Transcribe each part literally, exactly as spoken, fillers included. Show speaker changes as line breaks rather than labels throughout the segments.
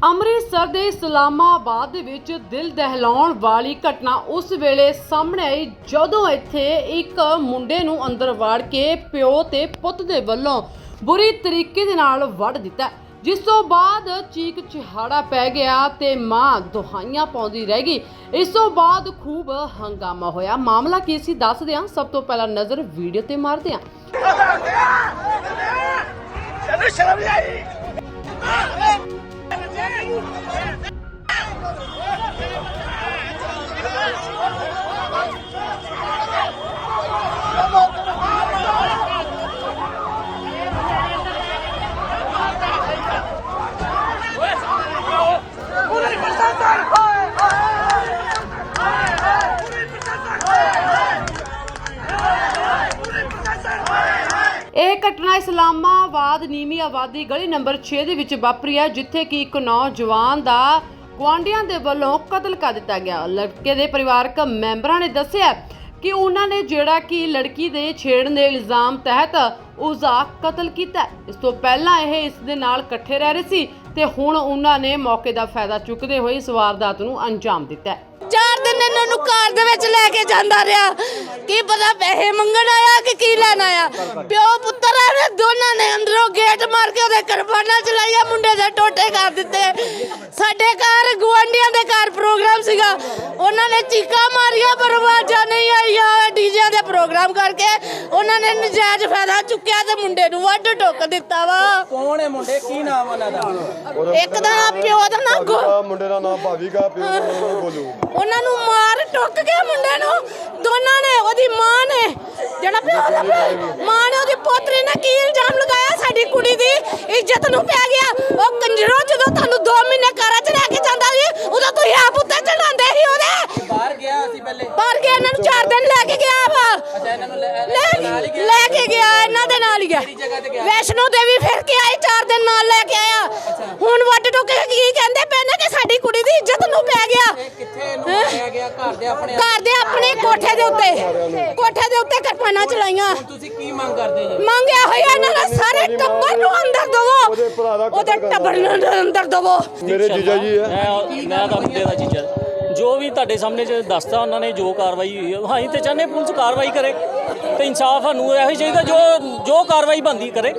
ਅੰਮ੍ਰਿਤਸਰ ਦੇ ਇਸਲਾਮਾਬਾਦ ਦੇ ਵਿੱਚ ਦਿਲ ਦਹਿਲਾਉਣ ਵਾਲੀ ਘਟਨਾ ਉਸ ਵੇਲੇ ਸਾਹਮਣੇ ਆਈ ਜਦੋਂ ਇੱਥੇ ਇੱਕ ਮੁੰਡੇ ਨੂੰ ਅੰਦਰ ਵਾੜ ਕੇ ਪਿਓ ਤੇ ਪੁੱਤ ਦੇ ਵੱਲੋਂ ਬੁਰੀ ਤਰੀਕੇ ਦੇ ਨਾਲ ਵੱਢ ਦਿੱਤਾ, ਜਿਸ ਤੋਂ ਬਾਅਦ ਚੀਕ ਚਿਹਾੜਾ ਪੈ ਗਿਆ ਤੇ ਮਾਂ ਦੁਹਾਈਆਂ ਪਾਉਂਦੀ ਰਹਿ ਗਈ। ਇਸ ਤੋਂ ਬਾਅਦ ਖੂਬ ਹੰਗਾਮਾ ਹੋਇਆ। ਮਾਮਲਾ ਕੀ ਸੀ ਦੱਸਦੇ ਹਾਂ। ਸਭ ਤੋਂ ਪਹਿਲਾਂ ਨਜ਼ਰ ਵੀਡੀਓ ਤੇ ਮਾਰਦੇ ਹਾਂ। ਇਹ ਘਟਨਾ ਇਸਲਾਮਾਬਾਦ ਨੀਵੀਂ ਆਬਾਦੀ ਗਲੀ ਨੰਬਰ ਛੇ ਦੇ ਵਿੱਚ ਵਾਪਰੀ ਹੈ, ਜਿੱਥੇ ਕਿ ਇੱਕ ਨੌਜਵਾਨ ਦਾ ਗੁਆਂਢੀਆਂ ਦੇ ਵੱਲੋਂ ਕਤਲ ਕਰ ਦਿੱਤਾ ਗਿਆ। ਲੜਕੇ ਦੇ ਪਰਿਵਾਰਕ ਮੈਂਬਰਾਂ ਨੇ ਦੱਸਿਆ ਕਿ ਉਹਨਾਂ ਨੇ ਜਿਹੜਾ ਕਿ ਲੜਕੀ ਦੇ ਛੇੜਨ ਦੇ ਇਲਜ਼ਾਮ ਤਹਿਤ ਉਸ ਦਾ ਕਤਲ ਕੀਤਾ। ਇਸ ਤੋਂ ਪਹਿਲਾਂ ਇਹ ਇਸ ਦੇ ਨਾਲ ਇਕੱਠੇ ਰਹਿ ਰਹੇ ਸੀ ਤੇ ਹੁਣ ਉਹਨਾਂ ਨੇ ਮੌਕੇ ਦਾ ਫਾਇਦਾ ਚੁੱਕਦੇ ਹੋਏ ਇਸ ਵਾਰਦਾਤ ਨੂੰ ਅੰਜਾਮ ਦਿੱਤਾ।
ਚਾਰ ਦਿਨ ਇਹਨਾਂ ਨੂੰ ਕਾਰ ਦੇ ਵਿੱਚ ਲੈ ਕੇ ਜਾਂਦਾ ਰਿਹਾ, ਕੀ ਪਤਾ ਪੈਸੇ ਮੰਗਣ ਆਇਆ ਕਿ ਕੀ ਲੈਣ ਆਇਆ। ਪਿਓ ਪੁੱਤਰ ਆਏ ਦੋਨਾਂ ਨੇ ਅੰਦਰੋਂ ਗੇਟ ਮਾਰ ਕੇ ਉਹਦੇ ਕਿਰਪਾਨਾਂ ਚਲਾਈਆਂ, ਮੁੰਡੇ ਦੇ ਟੋਟੇ ਕਰ ਦਿੱਤੇ। ਸਾਡੇ ਘਰ ਗੁਆਂਢੀਆਂ ਦੇ ਘਰ ਪ੍ਰੋਗਰਾਮ ਸੀਗਾ, ਉਹਨਾਂ ਨੇ ਚੀਕਾਂ ਮਾਰੀਆਂ ਪਰ ਆਵਾਜ਼ਾਂ ਨਹੀਂ ਆਈਆਂ। ਡੀਜੇ ਦੇ ਪ੍ਰੋਗਰਾਮ ਕਰਕੇ ਉਹਨਾਂ ਨੇ ਨਜਾਇਜ਼ ਫਾਇਦਾ ਚੁੱਕਿਆ ਤੇ ਮੁੰਡੇ ਨੂੰ ਵੱਢ ਟੁੱਕ ਦਿੱਤਾ ਵਾ।
ਕੌਣ ਹੈ ਮੁੰਡੇ, ਕੀ ਨਾਮ ਉਹਨਾਂ ਦਾ?
ਇੱਕ ਦਾ ਪਿਓ ਦਾ ਨਾਮ
ਮੁੰਡੇ ਦਾ ਨਾਮ ਭਾਵੀਗਾ, ਪਿਓ ਦਾ ਨਾਮ ਗੋਲੂ।
ਉਹਨਾਂ ਨੂੰ ਮਾਰ ਟੁੱਕ ਕੇ ਮੁੰਡੇ ਨੂੰ ਦੋਨਾਂ ਨੇ, ਉਹਦੀ ਮਾਂ ਨੇ ਜਿਹੜਾ ਪਿਓ ਦਾ ਮਾਂ ਨੇ ਉਹਦੀ ਪੋਤਰੀ ਨੇ ਕੀ ਇਲਜ਼ਾਮ ਲਗਾਇਆ, ਸਾਡੀ ਕੁੜੀ ਦੀ ਇੱਜ਼ਤ ਨੂੰ ਪੈ ਗਿਆ। ਉਹ ਕੰਜਰੋ ਜਦੋਂ ਤੁਹਾਨੂੰ ਦੋ ਮਹੀਨੇ ਘਰਾਂ 'ਚ ਲੈ ਕੇ ਜਾਂਦਾ ਸੀ ਉਦੋਂ ਤੁਸੀਂ ਆਪ ਉੱਤੇ ਚੜਾਉਂਦੇ ਸੀ ਉਹਦੇ।
ਬਾਹਰ ਗਿਆ ਸੀ ਪਹਿਲੇ,
ਬਾਹਰ ਗਿਆ, ਇਹਨਾਂ ਨੂੰ ਚਾਰ ਦਿਨ ਲੈ ਕੇ ਗਿਆ ਵਾ।
ਅੱਛਾ, ਇਹਨਾਂ ਨੂੰ ਲੈ
ਲੈ ਕੇ ਗਿਆ, ਇਹਨਾਂ ਦੇ ਨਾਲ ਹੀ ਗਿਆ। ਵੈਸ਼ਨੋ ਦੇਵੀ ਫਿਰ ਕੇ ਆਏ, ਚਾਰ ਦਿਨ ਨਾਲ ਲੈ ਕੇ ਆਇਆ। ਹੁਣ ਵੱਢ ਟੁੱਕ ਕੇ ਕੀ ਕਹਿੰਦੇ ਪਏ ਨੇ ਕਿ ਸਾਡੀ ਕੁੜੀ ਦੀ ਇੱਜ਼ਤ ਨੂੰ ਪੈ ਗਿਆ।
ਕਿੱਥੇ ਇਹਨੂੰ ਮਾਰਿਆ ਗਿਆ? ਘਰ ਦੇ ਆਪਣੇ
ਘਰ ਦੇ ਆਪਣੇ ਕੋਠੇ ਦੇ ਉੱਤੇ, ਕੋਠੇ ਦੇ ਉੱਤੇ ਕਿਰਪਾਨਾਂ ਚਲਾਈਆਂ।
ਤੁਸੀਂ ਕੀ ਮੰਗ ਕਰਦੇ ਜੀ?
ਮੰਗਿਆ ਹੋਇਆ ਇਹਨਾਂ ਦਾ ਸਾਰੇ ਟੱਬਰ ਨੂੰ ਅੰਦਰ ਦਵੋ, ਉਹਦੇ ਟੱਬਰ ਨੂੰ ਅੰਦਰ ਦਵੋ।
ਮੇਰੇ ਜੀਜਾ ਜੀ ਹੈ।
ਮੈਂ ਮੈਂ ਤਾਂ ਮੁੰਡੇ ਦਾ ਜੀਜਾ। ਜੋ ਵੀ ਤੁਹਾਡੇ ਸਾਹਮਣੇ ਚ ਦੱਸਦਾ ਉਹਨਾਂ ਨੇ, ਜੋ ਕਾਰਵਾਈ ਹੋਈ ਹੈ, ਅਸੀਂ ਤੇ ਚਾਹੁੰਦੇ ਪੁਲਿਸ ਕਾਰਵਾਈ ਕਰੇ ਤੇ ਇਨਸਾਫ ਸਾਨੂੰ ਇਹੋ ਹੀ ਚਾਹੀਦਾ, ਜੋ ਜੋ ਕਾਰਵਾਈ ਬਣਦੀ ਕਰੇ।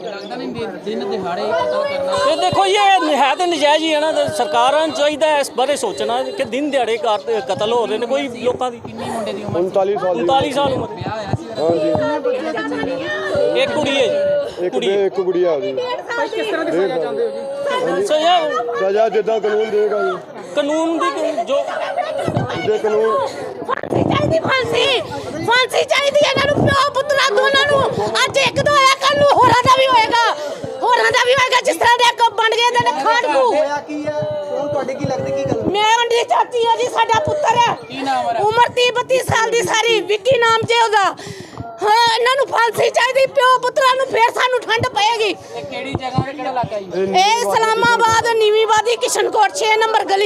ਦਿਨ ਦਿਹਾੜੇ ਕਤਲ ਕਰਨਾ
ਤੇ ਦੇਖੋ ਜੀ, ਇਹ ਹੈ ਤੇ ਨਜਾਇਜ਼ ਹੀ ਹੈ ਨਾ। ਤੇ ਸਰਕਾਰਾਂ ਨੂੰ ਚਾਹੀਦਾ ਇਸ ਬਾਰੇ ਸੋਚਣਾ ਕਿ ਦਿਨ ਦਿਹਾੜੇ ਕਤਲ ਹੋ ਰਹੇ ਨੇ ਕੋਈ ਲੋਕਾਂ ਦੀ।
ਕਿੰਨੀ ਮੁੰਡੇ ਦੀ ਉਮਰ?
ਉਨਤਾਲੀ ਸਾਲ ਦੀ।
ਉਨਤਾਲੀ ਸਾਲ ਉਮਰ।
ਵਿਆਹ ਹੋਇਆ ਸੀ?
ਹਾਂਜੀ,
ਇੱਕ ਕੁੜੀ ਹੈ ਜੀ।
ਇੱਕ ਬੇ ਇੱਕ ਗੁੜੀਆ ਉਹਦੀ।
ਕਿਸ ਤਰ੍ਹਾਂ ਦੀ ਸਜ਼ਾ ਚਾਹੁੰਦੇ ਹੋ ਜੀ?
ਸੋ ਇਹ
ਸਜ਼ਾ ਜਿੱਦਾਂ ਕਾਨੂੰਨ ਦੇਗਾ ਜੀ,
ਕਾਨੂੰਨ ਦੀ ਜੋ
ਜੇ ਕਾਨੂੰਨ
ਫਾਂਸੀ ਚਾਹੀਦੀ, ਫਾਂਸੀ ਫਾਂਸੀ ਚਾਹੀਦੀ ਇਹਨਾਂ ਨੂੰ, ਪਿਓ ਪੁੱਤਰਾ ਦੋਨਾਂ ਨੂੰ। ਅੱਜ ਇੱਕ ਦੋ ਹੋਇਆ, ਕੱਲ ਨੂੰ ਹੋਰਾਂ ਦਾ ਵੀ ਹੋਏਗਾ, ਹੋਰਾਂ ਦਾ ਵੀ ਹੋਏਗਾ। ਜਿਸ ਤਰ੍ਹਾਂ ਦੇ ਅੱਗੋਂ ਬਣ ਗਏ ਦੇ ਨੇ ਖਾੜਕੂ।
ਹੋਇਆ ਕੀ ਹੈ? ਕੌਣ ਤੁਹਾਡੇ ਕੀ ਲੱਗਦੇ, ਕੀ ਗੱਲ?
ਮੈਂ ਉਹਦੀ ਚਾਚੀ ਆ ਜੀ, ਸਾਡਾ ਪੁੱਤਰ ਹੈ।
ਕੀ ਨਾਮ ਹੈ?
ਉਮਰ ਤੀਹ ਬੱਤੀ ਸਾਲ ਦੀ ਸਾਰੀ, ਵਿੱਕੀ ਨਾਮ ਜੇ ਉਹਦਾ। ਹਾਂ, ਇਹਨਾਂ ਨੂੰ ਫਾਂਸੀ ਚਾਹੀਦੀ, ਪਿਓ ਪੁੱਤਰਾਂ ਨੂੰ, ਫੇਰ ਸਾਨੂੰ ਠੰਡ ਪਏਗੀ।
ਇਹ ਕਿਹੜੀ ਜਗ੍ਹਾ ਤੇ, ਕਿਹੜਾ ਇਲਾਕਾ ਜੀ?
ਇਹ ਇਸਲਾਮਾਬਾਦ ਨੀਵੀਂ ਆਬਾਦੀ ਕਿਸ਼ਨਕੋਟ ਛੇ ਨੰਬਰ ਗਲੀ।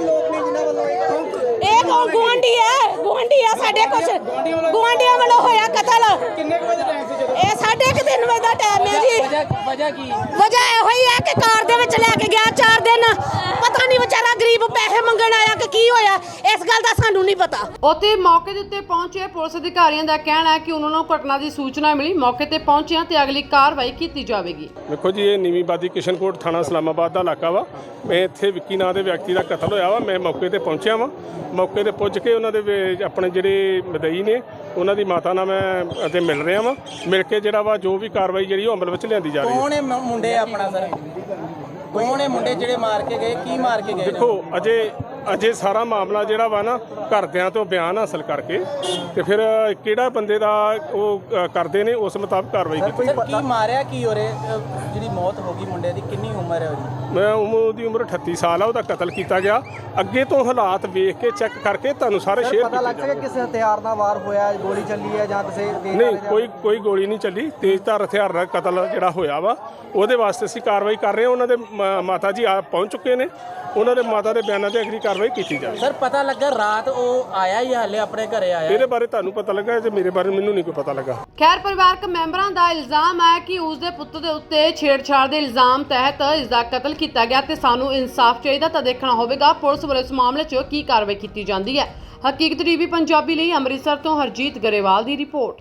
ਇਹ ਕੌਣ ਗੁਆਂਢੀ ਹੈ? ਗੁਆਂਢੀ ਆ ਸਾਡੇ, ਕੁਛ ਗੁਆਂਢੀਆਂ ਵੱਲੋਂ ਹੋਇਆ ਕਤਲ।
ਕਿੰਨੇ ਵਜੇ ਟਾਈਮ ਸੀ ਜਦੋਂ?
ਇਹ ਸਾਢੇ ਕੁ ਤਿੰਨ ਵਜੇ ਦਾ ਟਾਈਮ ਹੈ ਜੀ।
ਵਜ੍ਹਾ ਵਜ੍ਹਾ ਕੀ?
ਵਜ੍ਹਾ ਇਹੋ ਹੀ ਹੈ ਕਿ ਕਾਰ ਦੇ ਵਿੱਚ ਲੈ ਕੇ ਗਿਆ ਚਾਰ ਦਿਨ। ਪਤਾ ਨਹੀਂ ਵਿਚਾਰਾ ਗਰੀਬ ਪੈਸੇ ਮੰਗਣ ਆਇਆ ਕਿ ਕੀ ਹੋਇਆ, ਇਸ ਗੱਲ ਦਾ ਸਾਨੂੰ ਨਹੀਂ ਪਤਾ।
ਉੱਥੇ ਮੌਕੇ ਦੇ ਉੱਤੇ ਪਹੁੰਚੇ ਪੁਲਿਸ ਅਧਿਕਾਰੀਆਂ ਦਾ ਕਹਿਣਾ ਹੈ ਕਿ ਉਹਨਾਂ ਨੂੰ ਘਟਨਾ ਦੀ ਸੂਚਨਾ ਮਿਲੀ, ਮੌਕੇ ਤੇ ਪਹੁੰਚਿਆ ਤੇ ਅਗਲੀ ਕਾਰਵਾਈ ਕੀਤੀ ਜਾਵੇਗੀ।
ਦੇਖੋ ਜੀ, ਇਹ ਨੀਵੀਂ ਆਬਾਦੀ ਕਿਸ਼ਨਕੋਟ ਥਾਣਾ ਇਸਲਾਮਾਬਾਦ ਦਾ ਇਲਾਕਾ ਵਾ। ਮੈਂ ਇੱਥੇ ਵਿੱਕੀ ਨਾਂ ਦੇ ਵਿਅਕਤੀ ਦਾ ਕਤਲ ਹੋਇਆ ਵਾ। ਮੈਂ ਮੌਕੇ ਤੇ ਪਹੁੰਚਿਆ ਵਾਂ। ਮੌਕੇ ਤੇ ਪੁੱਜ ਕੇ ਉਹਨਾਂ ਦੇ ਵੇ- ਆਪਣੇ ਜਿਹੜੇ ਮਦਈ ਨੇ, ਉਹਨਾਂ ਦੀ ਮਾਤਾ ਨਾਲ ਮੈਂ ਅਤੇ ਮਿਲ ਰਿਹਾ ਵਾਂ। ਮਿਲ ਕੇ ਜਿਹੜਾ ਵਾ ਜੋ ਵੀ ਕਾਰਵਾਈ ਜਿਹੜੀ ਉਹ ਅਮਲ ਵਿੱਚ ਲਿਆਂਦੀ ਜਾ ਰਹੀ ਹੈ।
ਕੌਣ ਹੈ ਮ- ਮੁੰਡੇ ਆਪਣਾ ਸਰ? ਕੌਣ ਹੈ ਮੁੰਡੇ ਜਿਹੜੇ ਮਾਰ ਕੇ ਗਏ? ਕੀ ਮਾਰ ਕੇ ਗਏ?
ਦੇਖੋ, ਅਜੇ ਅਜੇ ਸਾਰਾ ਮਾਮਲਾ ਜਿਹੜਾ ਵਾ ਨਾ ਘਰਦਿਆਂ ਤੋਂ ਬਿਆਨ ਹਾਸਲ ਕਰਕੇ ਤੇ ਫਿਰ ਕਿਹੜਾ ਬੰਦੇ ਦਾ ਉਹ ਅ, ਕਰਦੇ ਨੇ ਉਸ ਮੁਤਾਬਕ ਕਾਰਵਾਈ ਕੀਤੀ।
ਸਰ ਕੀ ਮਾਰਿਆ ਕੀ ਹੋਰੇ? ਜਿਹੜੀ ਮੌਤ ਹੋ ਗਈ ਮੁੰਡੇ ਦੀ, ਕਿੰਨੀ ਉਮਰ ਹੈ ਉਹਦੀ?
ਮੈਂ ਉਮਰ ਦੀ ਉਮਰ ਅਠੱਤੀ ਸਾਲ ਆ। ਉਹਦਾ ਕਤਲ ਕੀਤਾ ਗਿਆ। ਅੱਗੇ ਤੋਂ ਹਾਲਾਤ ਵੇਖ ਕੇ ਚੈੱਕ ਕਰਕੇ ਤੁਹਾਨੂੰ ਸਾਰੇ ਸ਼ੇਅਰ
ਪਤਾ ਲੱਗ ਸਕਿਆ ਕਿਸੇ ਹਥਿਆਰ ਨਾਲ ਵਾਰ ਹੋਇਆ, ਗੋਲੀ ਚੱਲੀ ਹੈ ਜਾਂ ਕਿਸੇ
ਨਹੀਂ, ਕੋਈ ਕੋਈ ਗੋਲੀ ਨਹੀਂ ਚੱਲੀ। ਤੇਜ਼ਧਾਰ ਹਥਿਆਰ ਨਾਲ ਕਤਲ ਜਿਹੜਾ ਹੋਇਆ ਵਾ, ਉਹਦੇ ਵਾਸਤੇ ਅਸੀਂ ਕਾਰਵਾਈ ਕਰ ਰਹੇ ਹਾਂ। ਉਹਨਾਂ ਦੇ ਮ- ਮਾਤਾ ਜੀ ਆ ਪਹੁੰਚ ਚੁੱਕੇ ਨੇ। ਉਹਨਾਂ ਦੇ ਮਾਤਾ ਦੇ ਬਿਆਨਾਂ ਤੇ ਅਗਲੀ ਕਾਰਵਾਈ ਕੀਤੀ ਜਾਵੇ।
ਸਰ ਪਤਾ ਲੱਗਾ ਰਾਤ ਉਹ ਆਇਆ ਹੀ ਹਾਲੇ ਆਪਣੇ ਘਰੇ ਆਇਆ?
ਇਹਦੇ ਬਾਰੇ ਤੁਹਾਨੂੰ ਪਤਾ ਲੱਗਾ ਤੇ ਮੇਰੇ ਬਾਰੇ ਮੈਨੂੰ ਨਹੀਂ ਕੋਈ ਪਤਾ ਲੱਗਾ।
ਖੈਰ ਪਰਿਵਾਰਕ ਮੈਂਬਰਾਂ ਦਾ ਇਲਜ਼ਾਮ ਹੈ ਕਿ ਉਸ ਦੇ ਪੁੱਤ ਦੇ ਉੱਤੇ ਛੇੜਛਾੜ ਦੇ ਇਲਜ਼ਾਮ ਤਹਿਤ ਇਸ ਦਾ ਕਤਲ ਕੀਤਾ ਗਿਆ ਤੇ ਸਾਨੂੰ ਇਨਸਾਫ ਚਾਹੀਦਾ। ਤਾਂ ਦੇਖਣਾ ਹੋਵੇਗਾ ਪੁਲਿਸ ਵੱਲੋਂ ਇਸ ਮਾਮਲੇ 'ਚ ਕੀ ਕਾਰਵਾਈ ਕੀਤੀ ਜਾਂਦੀ ਹੈ। ਹਕੀਕਤ ਟੀਵੀ ਪੰਜਾਬੀ ਲਈ ਅੰਮ੍ਰਿਤਸਰ ਤੋਂ ਹਰਜੀਤ ਗਰੇਵਾਲ ਦੀ ਰਿਪੋਰਟ।